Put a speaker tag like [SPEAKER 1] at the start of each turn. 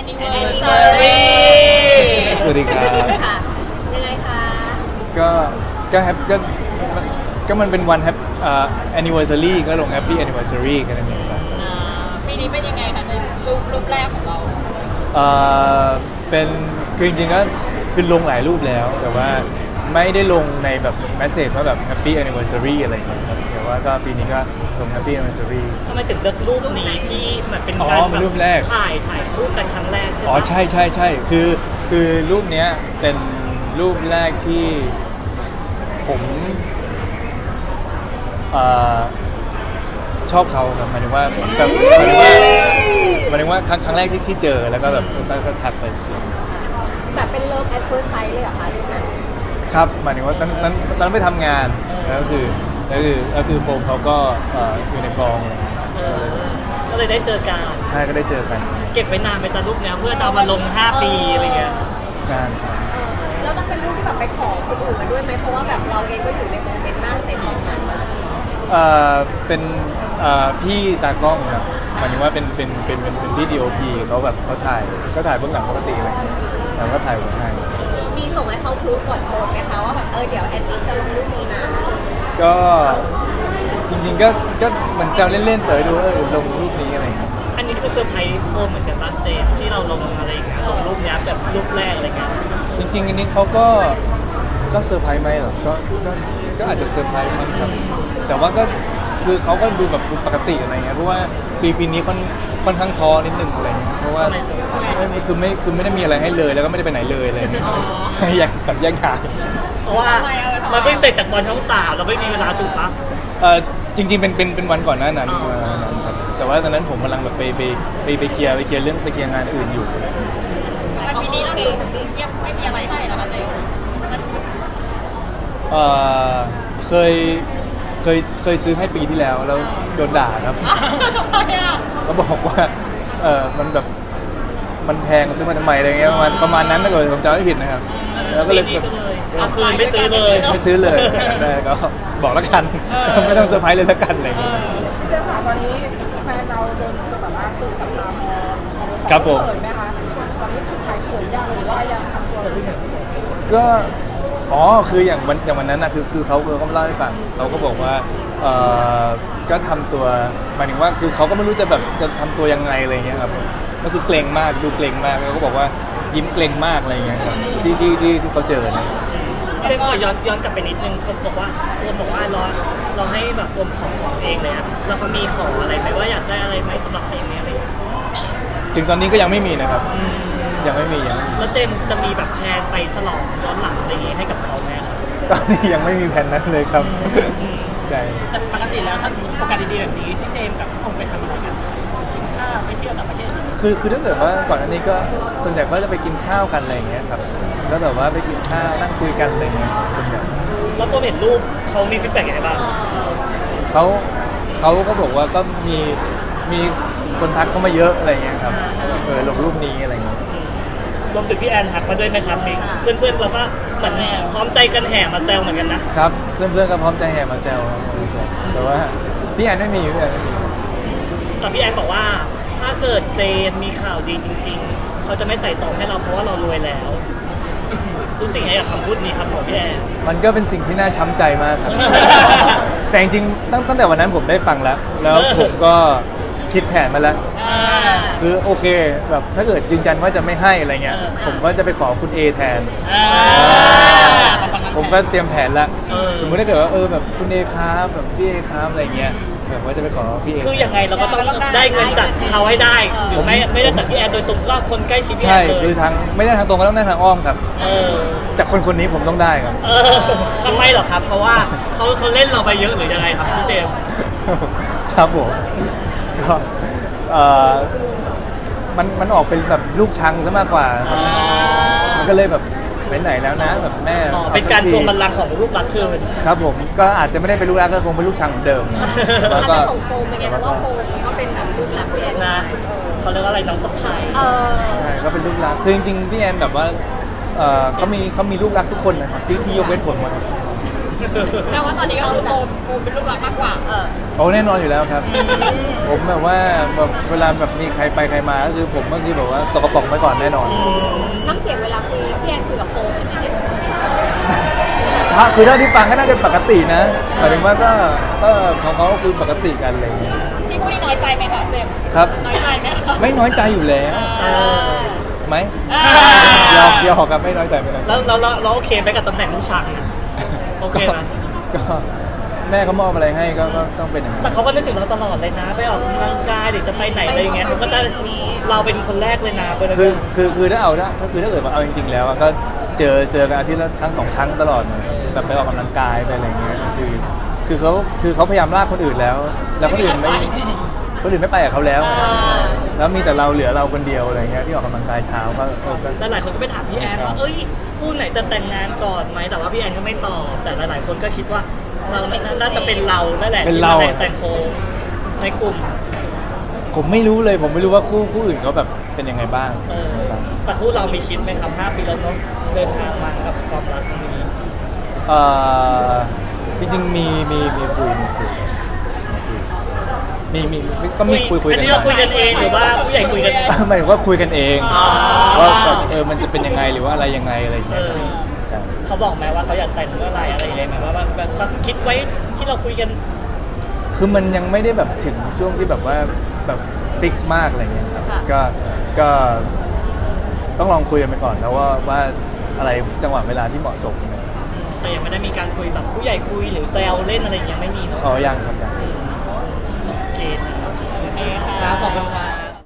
[SPEAKER 1] Anniversary
[SPEAKER 2] สวัสดีครับ
[SPEAKER 1] ค่ะยังไงคะ
[SPEAKER 2] ก็แฮปก็มันเป็นวันanniversary ก็ลง happy anniversary กันนั่นเองครับ
[SPEAKER 1] ปีนี้เป็นยังไงคะในรูปแรกของเรา
[SPEAKER 2] เป็นคือจริงๆก็คือลงหลายรูปแล้ว แต่ว่าไม่ได้ลงในแบบแมสเซจว่าแบบ happy anniversary อะไรอย่างเงี้ยครับแต่ว่าก็ปีนี้ก็ลง happy anniversary
[SPEAKER 3] ทำไมถึงเลือกรูปนี้ที่มันเป็น
[SPEAKER 2] อ๋อ
[SPEAKER 3] การ
[SPEAKER 2] เป็นรูปแรก
[SPEAKER 3] ถ่ายคู่กันครั้งแรกใช่ไหม
[SPEAKER 2] อ๋อใช่คือรูปเนี้ยเป็นรูปแรกที่ผมชอบเขาครับหมายถึงว่าแบบหมายถึงว่าครั้งแรกที่เจอแล้วก็แบบก็ทักไป
[SPEAKER 1] แบบเป็น love at first sight เลยเหรอคะรูปนั้น
[SPEAKER 2] ครับหมายถึงว่าตอนนั้นไปทำงานแล้วก็คือโฟมเขาก็อยู่ในกอง
[SPEAKER 3] ก็เลยได้เจอกัน
[SPEAKER 2] ใช่ก็ได้เจอกัน
[SPEAKER 3] เก็บไว้นานไปตอนรูปเนี้ยเพื่อจะเอามาลง 5 ปีอะไรเงี้ย
[SPEAKER 2] งานครับ
[SPEAKER 1] แล้วต้องเป็นรูปที่แบบไปขอคนอื่นมาด้วยไหมเพราะว่าแบบเราเองก็อยู่ในโมเมนต์หน้าเซ็ตตรงนั้นมา
[SPEAKER 2] เป็นพี่ตากล้องครับหมายถึงว่าเป็นพี่ DOP เขาแบบเขาถ่ายเบื้องหลังปกติอะไรอย่างเงี้ยแล้วก็ถ่ายไว้ให้
[SPEAKER 1] มีส่งให้เขาพรูฟก่อนโพสต์ไหมคะว่าแบบเดี๋ยวแอนนี่จะลงรูปนี้นะ
[SPEAKER 2] ก็จริงๆก็เหมือนแซวเล่นๆดูลงรูปนี้อะไรอย่างเงี้ย
[SPEAKER 3] อันนี้คือเซอร์ไพรส์โฟมเหมือนกันป่ะเจมส์ที่เราลงอะไรอย่างเงี้ยลงรูปเนี้ยแบบรูปแรกอะไรเงี้ย
[SPEAKER 2] จริงๆอันนี้เขาก็เซอร์ไพรส์ไหมเหรอก็อาจจะเซอร์ไพรส์มั้งครับแต่ว่าก็คือเขาก็ดูแบบปกติอะไรเงี้ยเพราะว่าปีนี้ค่อนข้างท้อนิดนึงอะไรเงี้ยเพราะว่าคือไม่ได้มีอะไรให้เลยแล้วก็ไม่ได้ไปไหนเลยอะไรเงี้ยอยากแบบแยกทาง
[SPEAKER 3] เพราะว่ามันไม่เสร็จจากบอลทั้งสามเราไม่มีเวลาถูกปะ
[SPEAKER 2] จริงๆเป็นวันก่อนหน้านั้นครับแต่ว่าตอนนั้นผมกำลังแบบไปเคลียร์เรื่องไปเคลียร์งานอื่นอยู่
[SPEAKER 1] วันปีนี้เราดูยังไม่มีอะไรให้แล้วมันเลย
[SPEAKER 2] เคยซื้อให้ปีที่แล้วโดนด่าครับ
[SPEAKER 1] ทำไมอ่ะ
[SPEAKER 2] เขาบอกว่ามันแบบมันแพงซื้อมาทำไมอะไรเงี้ยประมาณนั้นถ้าเกิดผมจำไม่ผิดนะครับแล้วก็เลย
[SPEAKER 3] ปีนี้
[SPEAKER 2] แบบ
[SPEAKER 3] ก็เลยเอาคืนไม่ซื้อเลย
[SPEAKER 2] ไม่ซื้อเลยแต่ก็บอกแล้วกันไม่ต้องเซอร์ไพรส์เลยแล้วกันอะไรเงี้ย
[SPEAKER 4] เจ๊ค่ะตอนนี้แฟนเราโดนแบบว่าสื่อจับตามอง
[SPEAKER 2] ครับผม
[SPEAKER 4] เขินไหมคะตอนนี้คือขายเขินยังหรือว่ายังทำตัวไม่เขิน
[SPEAKER 2] ก็คืออย่างวันนั้นนะคือเขาก็เล่าให้ฟังเขาก็บอกว่าก็ทำตัวหมายถึงว่าคือเขาก็ไม่รู้จะแบบจะทำตัวยังไงอะไรเงี้ยครับก็คือเกรงมากดูเกรงมากแล้วก็บอกว่ายิ้มเกรงมากอะไรเงี้ยครับที่เขาเจอนะ
[SPEAKER 3] เจมส์ขอย้อนกลับไปนิดนึงเขาบอกว่าเราให้แบบโฟมของเองเลยอะแล้วเขามีขออะไรไหมว่าอยากได้อะไรไหมสำหรับเพลงนี้อะไรอย่างเงี้ย
[SPEAKER 2] ถึงตอนนี้ก็ยังไม่มีนะครับ ยังไม่มี
[SPEAKER 3] แล้วเจมส์จะมีแบบแพลนไปฉลองย้อนหลังอะไรอย่างงี้ให้กับเขาไหมครับ
[SPEAKER 2] ตอนนี้ยังไม่มีแผนนั้นเลยครับใจ
[SPEAKER 5] แต่ปกติแล้วถ้าสมมติโอกาสดีๆแบบนี้พี่เจมส์กับพี่คงไปทำอะไรกันกินข้าวไปเที่ยวต่างประเทศ
[SPEAKER 2] คือถ้าเกิดว่าก่อนอันนี้ก็ส่วนใหญ่ก็จะไปกินข้าวกันอะไรอย่างเงี้ยครับแล้วแบบว่าไปกินข้าวนั่งคุยกันอะไรเงี้ยส่วนใหญ่
[SPEAKER 3] แล้วโฟมเห็นรูปเขามีฟีดแบ็กยังไงบ้าง
[SPEAKER 2] เขาก็บอกว่าก็มีคนทักเข้ามาเยอะอะไรเงี้ยครับลงรูปนี้อะไรเงี้ย
[SPEAKER 3] รวมถึงพี่แอนทักมาด้วยไหมครับมีเพื่อนๆเราก็เหมือนพร้อมใจกันแห่มาแซวเหมือนกันนะครับ
[SPEAKER 2] เพื่อนๆก็พร้อมใจแห่มาแซวครับแต่ว่าพี่แอนไม่มี
[SPEAKER 3] แต่พี่แอนบอกว่าถ้าเกิดเจนมีข่าวดีจริงๆเขาจะไม่ใส่ซองให้เราเพราะว่าเรารวยแล้วรู้สึกไงกับคำพูดนี้ครับของพี่แอน
[SPEAKER 2] มันก็เป็นสิ่งที่น่าช้ำใจมากครับ แต่จริงๆตั้งแต่วันนั้นผมได้ฟังแล้วผมก็คิดแผนมาแล้ว คือโอเคแบบถ้าเกิดยืนยันว่าจะไม่ให้อะไรเงี้ยผมก็จะไปขอคุณ A แทน ผมก็เตรียมแผนแล้วสมมุติถ้าเกิดว่าแบบคุณ A ครับแบบพี่ A ครับอะไรเงี้ยแบบว่าจะไปขอพี่ A
[SPEAKER 3] คือยังไงเราก็ต้องได้เงินจากเขาให้ได้หรือไม่ได้จากพี่แอนโดยตรงก็คนใกล้ชิดพี่แอ
[SPEAKER 2] ใช่
[SPEAKER 3] นเล
[SPEAKER 2] คือย ทางไม่ได้ทางตรงก็ต้องได้ทางอ้อมครับ
[SPEAKER 3] เออ
[SPEAKER 2] จากคนนี้ผมต้องได้ครับ
[SPEAKER 3] เออทำไมเหรอครับ เพราะว่าเขาเล่นเราไปเยอะหรือยังไงครับพี่เจมส์
[SPEAKER 2] ครับผมก็มันออกเป็นแบบลูกชังซะมากกว่าครับมันก็เลยแบบไปไหนแล้วนะแบบแม่
[SPEAKER 3] อ๋อเป็นการทวงบัลลังก์ของลูกรักคืน
[SPEAKER 2] ครับผมก็อาจจะไม่ได้เป็นลูกรักก็คงเป็นลูกชังเหมือนเดิม
[SPEAKER 1] แล้ว
[SPEAKER 2] ก็
[SPEAKER 1] ส่งโฟมเป็นไงเพราะว่าโฟมก็เป็นแบบรูปลักษณ์พี่แอน
[SPEAKER 3] นะเขาเรียกว่าอะไรน้องสะพ้าย
[SPEAKER 2] ใช่ก็เป็นลูกรักคือจริงๆพี่แอนแบบว่าเขามีลูกรักทุกคนนะครับที่ยกเว้นผมอะครับ
[SPEAKER 1] แต่ว่าตอนนี้ก็คือโฟมเป็นลูกรักมากกว่า
[SPEAKER 2] โอ้แน่นอนอยู่แล้วครับ ผมแบบว่าแบบเวลาแบบมีใครไปใครมาก็คือผมก็คือแบบว่าตกกระป๋องไปก่อนแน่นอน
[SPEAKER 1] น้ำเสียงเวลาคุยพี่แอนคุยกับโฟมเป็นยังไง
[SPEAKER 2] คือเท่าที่ฟังก็น่าจะปกตินะหมายถึงว่าก็ของเขาก็คือปกติกันอะไรอย่างเงี้ย
[SPEAKER 1] พี่พูดนี่น้อยใจไหมคะเจมส์
[SPEAKER 2] ครับ
[SPEAKER 1] น้อยใจไหมคะ
[SPEAKER 2] ไม่น้อยใจอยู่แล้ว
[SPEAKER 3] เออ
[SPEAKER 2] ไหม
[SPEAKER 1] อ่า
[SPEAKER 2] ยอมครับไม่น้อยใจไม่น้อยใจ
[SPEAKER 3] แล้วเราโอเคไหมกับตำแหน่งลูกชังนะโอเคไหม
[SPEAKER 2] ก็แม่เขามอบอะไรให้ก็ต้องเป็นอย่างนั้
[SPEAKER 3] แต่
[SPEAKER 2] น
[SPEAKER 3] เขาก็นึกถึงเราตลอดเลยนะ ไปออกกำลังกายหรือจะไปไหนอะไรอย่างเงี้ยเขาก็จะเราเป็นคนแรกเลยนะไปเลย
[SPEAKER 2] คือถ้าเกิดว่าเอาจริงๆแล้วอะก็เจอกันอาทิตย์ละครั้งสองครั้งตลอดเลยแบบไปออกกำลังกายไปอะไรอย่างเงี้ยคือเขาพยายามลากคนอื่นแล้ว แล้วคนอื่นไม่ไปกับเขาแล้ว แล้วมีแต่เราเหลือเราคนเดียวอะไรเงี้ยที่ออกกำลังกายเช้าก็
[SPEAKER 3] แล้วหลายคนก็ไปถามพี่แอนว่าเอ้ยคู่ไหนจะแต่งงานก่อนไหมแต่ว่าพี่แอนก็ไม่ตอบแต่หลายๆคนก็คิดว่าเราน่าจะเป็นเรานั่นแหละที่มาแซงโค้งในกลุ่ม
[SPEAKER 2] ผมไม่รู้เลยผมไม่รู้ว่าคู่อื่นเขาแบบเป็นยังไงบ้าง
[SPEAKER 3] แต่คู่เรามีคิดไหมครับ5 ปีแล้วเนาะเดินทางมากับความรักครั้งนี้
[SPEAKER 2] จริงๆมีคุยก็มีคุย
[SPEAKER 3] อันนี้เราคุยกันเองหรือว่าผู้ใหญ่คุยกัน
[SPEAKER 2] หมายถึงว่าคุยกันเอง
[SPEAKER 3] อ๋อ
[SPEAKER 2] ว่าแบบมันจะเป็นยังไงหรือว่าอะไรยังไงอะไรอย่างเงี้ยใช่
[SPEAKER 3] เขาบอกไหมว่าเขาอยากแต่งเมื่อไหร่อะไรยังไงไหมว่าแบบคิดไว้ที่เราคุยกัน
[SPEAKER 2] คือมันยังไม่ได้แบบถึงช่วงที่แบบว่าแบบฟิกซ์มากอะไรเงี้ยครับก็ต้องลองคุยกันไปก่อนแล้วว่าอะไรจังหวะเวลาที่เหมาะสม
[SPEAKER 3] แต่ยังไม่ได้มีการคุยแบบผู้ใหญ่คุยหรือแซวเล่นอะไรยังไม่มีเนาะ
[SPEAKER 2] อ๋อยังครับยัง
[SPEAKER 3] โอเคครับขอบคุณครับ